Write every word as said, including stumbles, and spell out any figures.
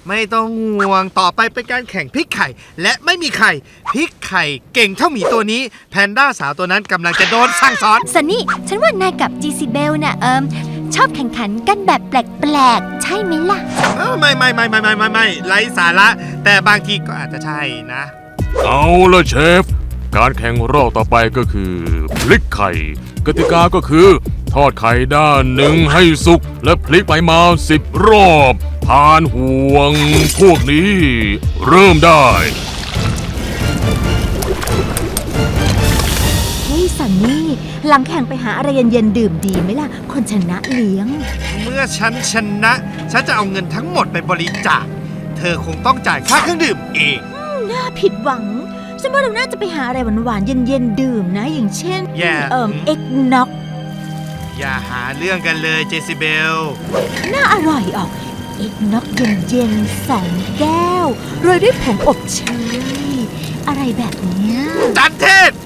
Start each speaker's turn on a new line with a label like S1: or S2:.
S1: ไม่ต้องห่วงต่อไปเป็นการแข่งพลิกไข่และไม่มีไข่พลิกไข่เก่งเท่าหมีตัวนี้แพนด้าสาวตัวนั้นกำลังจะโดนสั่งสอน
S2: ซันนี่ฉันว่านายกับจีซีเบลน่ะเอิมชอบแข่งขันกันแบบแปลกๆใช่ไหมล่ะ
S1: ไม่ไม่ไม่ไม่ไม่ไม่ไม่ไร้สาระแต่บางทีก็อาจจะใช่นะ
S3: เอาละเชฟการแข่งรอบต่อไปก็คือพลิกไข่กติกาก็คือทอดไข่ด้านหนึ่งให้สุกและพลิกไปมาสิบรอบผ่านห่วงพวกนี้เริ่มได้
S4: เฮ้ยซันนี่หลังแข่งไปหาอะไรเย็นๆดื่มดีไหมล่ะคนชนะเลี้ยง
S1: เมื่อฉันชนะฉันจะเอาเงินทั้งหมดไปบริจาคเธอคงต้องจ่ายค่าเครื่องดื่มเอง
S4: น่าผิดหวังฉันว่าเราน่าจะไปหาอะไรหวานๆเย็นๆดื่มนะอย่างเช่นเอ่อเอ็กน็อก
S1: อย่าหาเรื่องกันเลยเจสิเบล
S4: น่าอร่อยออกเอ็กน็อกเย็นๆสองแก้วโรยด้วยผงอบเชยอะไรแบบนี้
S1: จัดเท